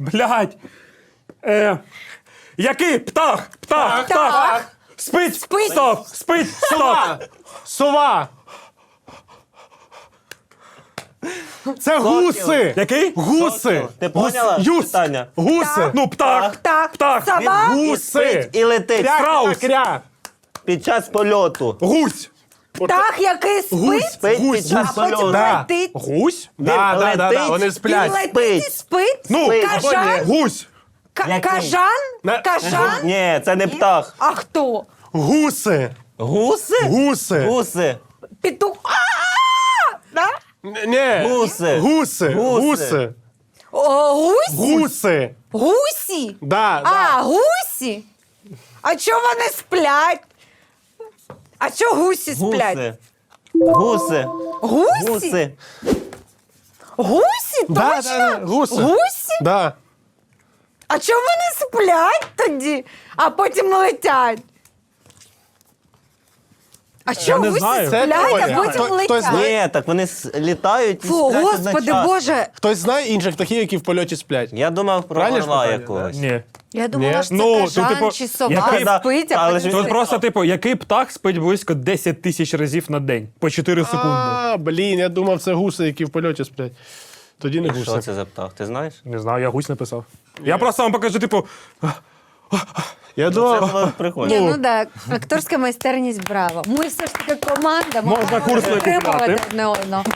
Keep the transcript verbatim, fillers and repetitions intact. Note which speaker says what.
Speaker 1: Блядь. Е, який? Птах! Птах! Птах!
Speaker 2: Птах.
Speaker 1: Спить!
Speaker 2: Спить.
Speaker 1: Стоп! Спить! Стоп!
Speaker 3: Сова! Сова! Це гуси!
Speaker 1: Який?
Speaker 3: Гуси!
Speaker 4: Ти поняла
Speaker 3: Гус- Юс!
Speaker 4: питання?
Speaker 3: Гуси!
Speaker 1: Ну, птах!
Speaker 2: Птах.
Speaker 1: Птах!
Speaker 2: Сова.
Speaker 3: Гуси!
Speaker 4: І летить
Speaker 3: Кря, кря,
Speaker 1: Страус.
Speaker 3: кря!
Speaker 4: під час польоту.
Speaker 1: Гусь!
Speaker 2: Птах, який
Speaker 3: Гусь!
Speaker 2: спить,
Speaker 4: Спить
Speaker 3: Гусь!
Speaker 4: під час
Speaker 2: а потім
Speaker 4: польоту.
Speaker 3: Да.
Speaker 2: летить.
Speaker 1: Гусь?
Speaker 3: Да, да, да, да,
Speaker 4: летить.
Speaker 3: вони
Speaker 2: Він
Speaker 3: сплять.
Speaker 2: летить і спить.
Speaker 1: Ну,
Speaker 4: Спить.
Speaker 2: Кажан?
Speaker 1: гусь!
Speaker 2: Ка-
Speaker 4: Який?
Speaker 2: Кажан?
Speaker 3: На-
Speaker 2: Кажан?
Speaker 4: Ні, це не птах.
Speaker 2: А хто?
Speaker 3: Гуси!
Speaker 4: Гуси?
Speaker 3: Гуси!
Speaker 4: Гуси.
Speaker 2: Петух. А-а-а! Да?
Speaker 3: Н- Ні!
Speaker 4: Гуси.
Speaker 3: Гуси!
Speaker 4: Гуси.
Speaker 3: Гуси!
Speaker 2: О, гусь?
Speaker 3: Гуси!
Speaker 2: Гусі?
Speaker 3: Да, да.
Speaker 2: А, гусі? А чого вони сплять? А чого гусі сплять?
Speaker 4: Гуси. Гуси.
Speaker 2: Гусі?
Speaker 4: Гуси.
Speaker 2: Гусі?
Speaker 3: Да,
Speaker 2: Точно?
Speaker 3: да, да, гуси.
Speaker 2: Гусі?
Speaker 3: Да.
Speaker 2: А чого вони сплять тоді, а потім летять? А чого
Speaker 1: не
Speaker 2: гусі
Speaker 1: знаю.
Speaker 3: Це
Speaker 2: сплять, а
Speaker 3: теорія.
Speaker 2: потім
Speaker 3: Хто- хтось
Speaker 2: летять?
Speaker 3: знає?
Speaker 4: Ні, так вони с- літають і
Speaker 2: Фу,
Speaker 4: сплять
Speaker 2: господи
Speaker 4: одночасно.
Speaker 2: Боже.
Speaker 3: Хтось знає інших птахів, які в польоті сплять?
Speaker 4: Я думав про
Speaker 3: Правильно ж
Speaker 4: орла
Speaker 3: питання,
Speaker 4: якогось.
Speaker 1: Ні.
Speaker 2: Я думала,
Speaker 3: Ні.
Speaker 2: що це
Speaker 1: Ну, то,
Speaker 2: кажан
Speaker 1: типу,
Speaker 2: чи сова
Speaker 1: який-
Speaker 4: Да,
Speaker 2: спить, а
Speaker 4: але
Speaker 2: потім
Speaker 4: ж
Speaker 1: Тут
Speaker 2: летить.
Speaker 1: просто, типу, який птах спить близько десять тисяч разів на день по чотири секунди.
Speaker 3: А, блін, я думав, це гуси, які в польоті сплять. Тоді не
Speaker 4: Що
Speaker 3: гуси.
Speaker 4: це за птах? Ти знаєш?
Speaker 1: Не знаю, я гусь написав. Я просто вам покажу, типу,
Speaker 3: Я
Speaker 4: Це
Speaker 3: думав,
Speaker 4: було прикольно.
Speaker 2: Ні, ну так, акторська майстерність браво. Ми все ж таки команда, ми
Speaker 1: Можна
Speaker 2: маємо
Speaker 1: курс не
Speaker 2: підтримувати
Speaker 1: купляти.
Speaker 2: одне одного.